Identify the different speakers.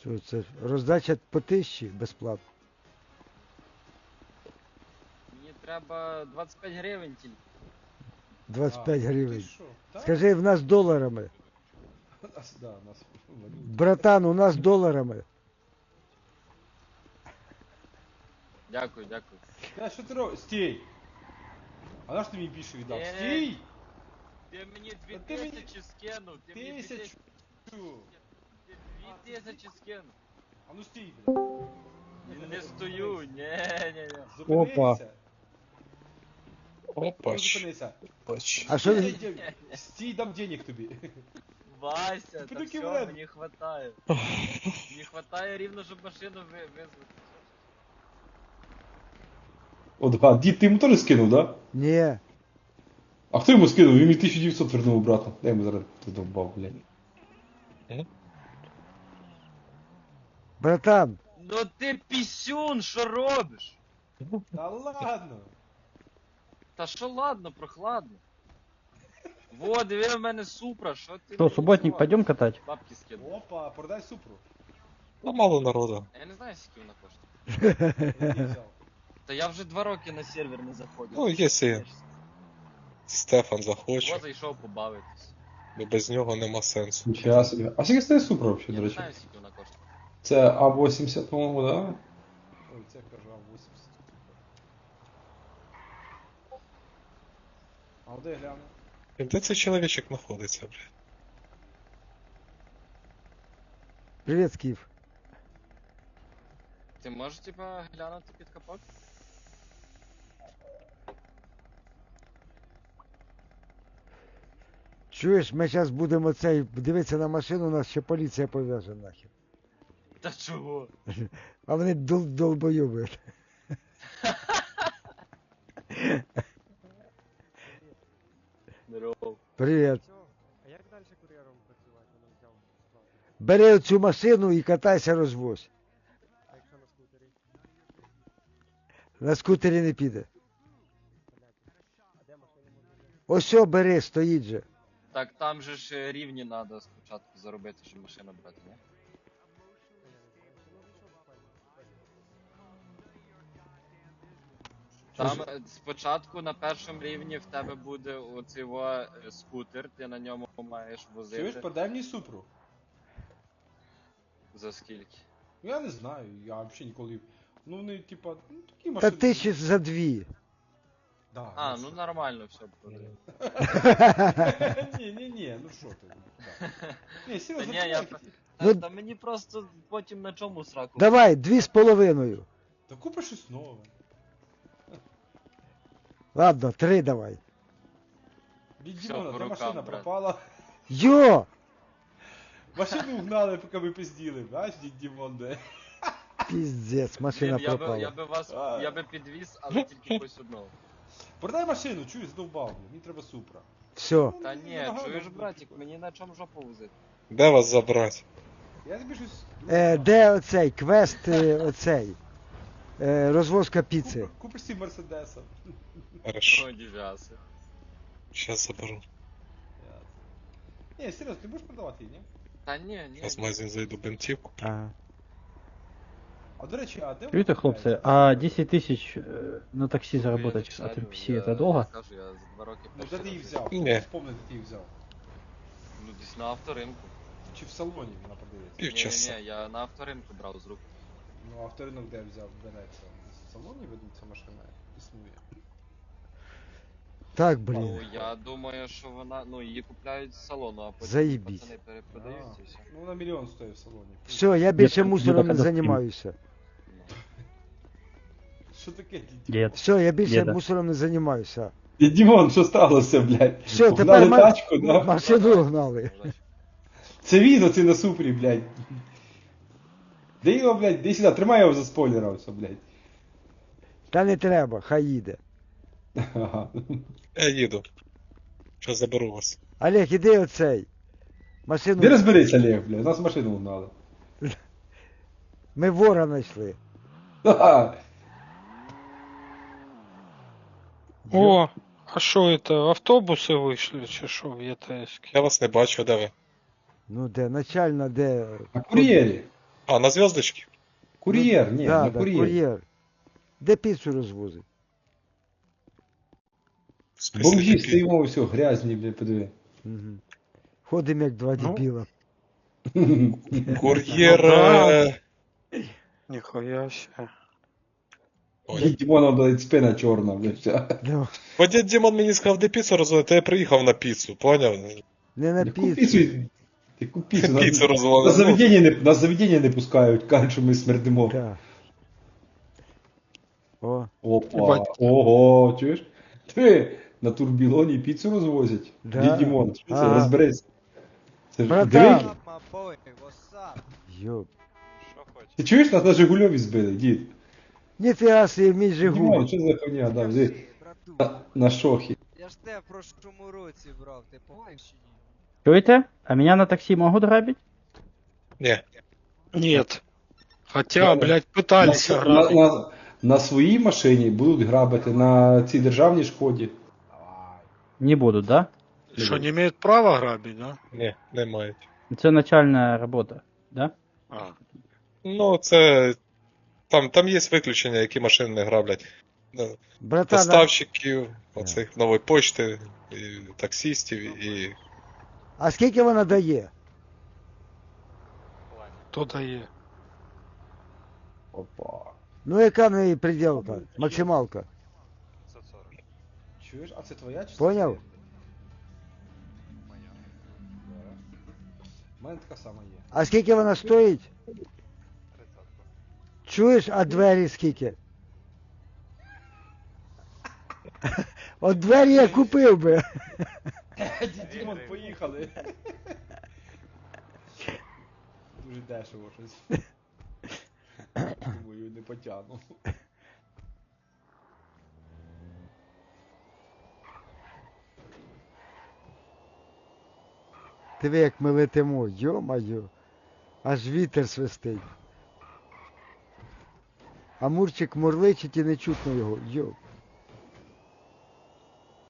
Speaker 1: Що це? Роздача по 1000 безплатно.
Speaker 2: Мені треба 25 гривень тільки.
Speaker 1: 25
Speaker 3: Ти
Speaker 1: гривень.
Speaker 3: що? Так?
Speaker 1: Скажи, в нас доларами.
Speaker 3: Да, у нас валюта.
Speaker 1: Братан, у нас доларами.
Speaker 2: Дякую, дякую.
Speaker 3: Та що ти робиш? Стій! А на що ти мені більше віддав?
Speaker 2: Е,
Speaker 3: Стій!
Speaker 2: Ти мені
Speaker 3: Та ти мені-
Speaker 2: 2000 скинув, ти мені
Speaker 3: 1000!
Speaker 2: 2000 скинув.
Speaker 3: А ну стій, блядь.
Speaker 2: Не стою, ні.
Speaker 3: Зупинися. Ну,
Speaker 4: Опач.
Speaker 3: зупинися.
Speaker 4: Опач.
Speaker 1: А що він?
Speaker 3: Стій, дам денег тобі.
Speaker 2: Вася, та
Speaker 3: Піду
Speaker 2: все,
Speaker 3: вряд.
Speaker 2: мені хватає. Мені хватає рівно, щоб машину визвати.
Speaker 3: О, а дід, ти йому теж скинув, да?
Speaker 1: Ні.
Speaker 3: А хто йому скинув? Він мені 1900 вернув обратно. Дай йому зараз задовбав, блядь.
Speaker 1: Братан,
Speaker 2: Ну ти пісюн, що робиш?
Speaker 3: Та ладно.
Speaker 2: Та що ладно, прохладно. Во, диви в мене супра, що ти?
Speaker 5: Что, субботник, пойдем катать?
Speaker 2: Бабки скину.
Speaker 3: Опа, продай супру.
Speaker 4: Ну мало народу.
Speaker 2: Я не знаю, скільки вона коштує.
Speaker 3: Я її взяв.
Speaker 2: Та я вже 2 роки на сервер не заходив.
Speaker 4: Ну, якщо Стефан захоче,
Speaker 2: Во, зайшов побавитись.
Speaker 4: бо без нього нема сенсу.
Speaker 3: Нічого собі. А скільки стоїть супра взагалі,
Speaker 2: Я
Speaker 3: до
Speaker 2: не
Speaker 3: речі?
Speaker 2: знаю, скільки вона коштує.
Speaker 3: Це А80, по-моєму, да? Ой, це кажу А80. А де гляну?
Speaker 4: І де цей чоловічок знаходиться, блядь?
Speaker 1: привіт, Скіф.
Speaker 2: Ти можеш, типа, глянути під капот?
Speaker 1: Чуєш, ми зараз будемо цей дивитися на машину, нас ще поліція пов'яже нахер.
Speaker 2: Та чого?
Speaker 1: А вони долбойоби.
Speaker 2: Здорово.
Speaker 1: Привіт.
Speaker 6: А як далі кур'єром працювати? Воно взяв справді.
Speaker 1: Бери цю машину і катайся розвозь.
Speaker 6: А якщо на скутері?
Speaker 1: На скутері не піде.
Speaker 6: Блядь. А де машину можна взяти?
Speaker 1: Ось о, бери, стоїть же.
Speaker 2: Так там же ж рівні треба спочатку заробити, щоб машину брати, ні?
Speaker 6: Та я не знаю. Ну, вийшов буквально.
Speaker 2: Там спочатку на першому рівні в тебе буде оцей скутер, ти на ньому маєш
Speaker 3: Чуєш,
Speaker 2: возити.
Speaker 3: продай мені супру.
Speaker 2: За скільки?
Speaker 3: Ну я не знаю, я взагалі ніколи. Ну вони, типа, ну такі
Speaker 1: Та
Speaker 3: машини.
Speaker 1: 1000 за 2.
Speaker 3: Да,
Speaker 2: А, ну нормально все буде.
Speaker 3: Ні, ну що ти. Да. Ні,
Speaker 2: Та
Speaker 3: серйозно,
Speaker 2: ні, я...
Speaker 3: чувак,
Speaker 1: Ну-
Speaker 2: Та мені просто потім на чому сраку.
Speaker 1: Давай, 2,5.
Speaker 3: та купи щось нове.
Speaker 1: Ладно, 3 давай.
Speaker 3: Від
Speaker 2: Всё,
Speaker 3: Дімона,
Speaker 2: по
Speaker 3: де
Speaker 2: рукам,
Speaker 3: машина
Speaker 2: брат.
Speaker 3: пропала.
Speaker 1: Йо!
Speaker 3: Машину угнали, поки ми пизділи. Бач, дід Дімон, де.
Speaker 1: Піздець, машина
Speaker 2: Блін, я
Speaker 1: пропала.
Speaker 2: би вас,
Speaker 3: А.
Speaker 2: я би підвіз, але тільки якось одного.
Speaker 3: Продай машину, чуєш, здовбав, мені треба супра.
Speaker 1: Все.
Speaker 3: Ну,
Speaker 2: Та
Speaker 3: ну,
Speaker 2: ні,
Speaker 3: нагадую,
Speaker 2: чуєш,
Speaker 3: ну,
Speaker 2: братик,
Speaker 3: типу.
Speaker 2: мені на чому жопу возити.
Speaker 4: Де вас забрати?
Speaker 3: Я тобі щось...
Speaker 1: Де оцей квест, оцей? Розвозка піци.
Speaker 3: Купиш ці Мерседеса.
Speaker 4: Хорошо,
Speaker 2: О, дів'яси.
Speaker 4: щас заберу.
Speaker 3: Ні, серйозно, ти будеш продавати її, ні?
Speaker 2: Та ні.
Speaker 4: Зараз в магазин зайду бентівку.
Speaker 1: Ага.
Speaker 3: А до речі, а де
Speaker 5: Чуєте, хлопці, а 10 тисяч на таксі заработать от NPC это долго?
Speaker 2: Я кажу, я за 2 роки
Speaker 3: Ну де
Speaker 2: перший
Speaker 3: ти її
Speaker 2: раз
Speaker 3: взяв?
Speaker 4: Ні.
Speaker 3: Вспомни, де ти її взяв.
Speaker 2: Ну десь на авторинку.
Speaker 3: Чи в салоні вона продається?
Speaker 4: Півчаса.
Speaker 2: Ні, я на авторинку брав з рук.
Speaker 3: Ну, авторинок де взяв, береться. В салоні видно, ця машина існує.
Speaker 1: Так,
Speaker 2: Ну,
Speaker 1: блін.
Speaker 2: я думаю, що вона, ну, її купляють з салону, а потім
Speaker 1: Заєбісь.
Speaker 2: пацани перепродають і все.
Speaker 3: Ну, вона мільйон стоїть в салоні.
Speaker 1: Все, я більше
Speaker 5: Дід,
Speaker 1: мусором не
Speaker 5: діда,
Speaker 1: займаюся.
Speaker 3: Що таке, дід?
Speaker 5: Дед.
Speaker 1: Все, я більше
Speaker 5: Діда.
Speaker 1: мусором не займаюся.
Speaker 3: Дід Дімон, що сталося, блядь?
Speaker 1: Все,
Speaker 3: Угнали
Speaker 1: тепер
Speaker 3: тачку, да?
Speaker 1: машину гнали.
Speaker 3: Це він оцей на супрі, блядь. Де його, блядь, де сюди, тримай його за спойлера, все, блядь.
Speaker 1: Та не треба, хай їде.
Speaker 3: Ага.
Speaker 4: Я їду. Щас заберу вас.
Speaker 1: Олег, іди оцей.
Speaker 3: Де
Speaker 1: Машину.
Speaker 3: розберись, Олег, блядь, нас машину угнали.
Speaker 1: Ми вора знайшли.
Speaker 3: Ха-ха.
Speaker 7: О, а що это, автобуси вийшли чи що в ЄТС?
Speaker 4: Я вас не бачу, де ви?
Speaker 1: Ну де, начальна, де.
Speaker 3: На кур'єрі.
Speaker 4: А, на зв'язочки?
Speaker 3: Кур'єр, ні,
Speaker 1: да,
Speaker 3: на
Speaker 1: да,
Speaker 3: кур'єр.
Speaker 1: кур'єр. Де піцу розвозить?
Speaker 4: В смислі
Speaker 3: Бомжі
Speaker 4: такі?
Speaker 3: стоїмо, все, грязні, блядь, подиви.
Speaker 1: Угу. Ходимо як два
Speaker 7: Ну.
Speaker 1: дебіла.
Speaker 4: Кур'єр.
Speaker 7: Ну да. Нихуя себе.
Speaker 4: Ой.
Speaker 3: Дімона, блядь, спина чорна, блядь, вся.
Speaker 1: Ну,
Speaker 4: Бо дід Дімон мені сказав, де піцу розводити, я приїхав на піцу, поняв?
Speaker 1: не на
Speaker 3: Яку
Speaker 1: піцу.
Speaker 3: піцу? Яку піцу?
Speaker 4: Піцу
Speaker 3: На
Speaker 4: розводити.
Speaker 3: заведення не пускають, кажуть, що ми смердимо.
Speaker 1: Да. О,
Speaker 3: Опа,
Speaker 7: Ебать.
Speaker 3: ого, чуєш? Ти на турбілоні піцу розвозять?
Speaker 1: Да.
Speaker 3: Дід Дімон, що це,
Speaker 1: Ага.
Speaker 3: розберись. Це ж
Speaker 1: Братан.
Speaker 3: диви,
Speaker 1: йоп.
Speaker 3: ти чуєш, нас на Жигульові збили, дід?
Speaker 1: Ніфіга собі, мій Жигуль.
Speaker 3: Дімон, що за хуйня, да, диви, на шохі.
Speaker 6: Я ж тебе в прошлому році брав, ти помниш чи ні?
Speaker 5: Чуете? А меня на такси могут грабить?
Speaker 4: Ні.
Speaker 7: Нет. Хотя,
Speaker 3: Да,
Speaker 7: блядь, пытались
Speaker 3: на,
Speaker 7: ограбить.
Speaker 3: на своїй машині будуть грабити, на цій державній шкоді.
Speaker 5: Не будут, да?
Speaker 7: Что, не имеют права грабить, да?
Speaker 4: Ні, не мають.
Speaker 5: Это начальная работа, да?
Speaker 7: А.
Speaker 4: Ну, це. Там є виключення, які машини не граблять.
Speaker 1: Братан,
Speaker 4: Доставщиків, оцих нової почти, і таксістів і.
Speaker 1: а скільки вона дає?
Speaker 7: Кто дає?
Speaker 3: Опа.
Speaker 1: Ну яка в неї приділка? Максималка.
Speaker 3: Чуєш, а це твоя чи
Speaker 1: Поняв?
Speaker 3: У мене така сама є.
Speaker 1: А скільки вона стоїть? Чуєш, а двері скільки? От двері я купив би.
Speaker 3: Дімон, поїхали. Дуже дешево щось. Думаю, не потягну.
Speaker 1: Диви, як ми летимо, йо-майо. Аж вітер свистить. А Мурчик мурличить і не чутно його. Йо.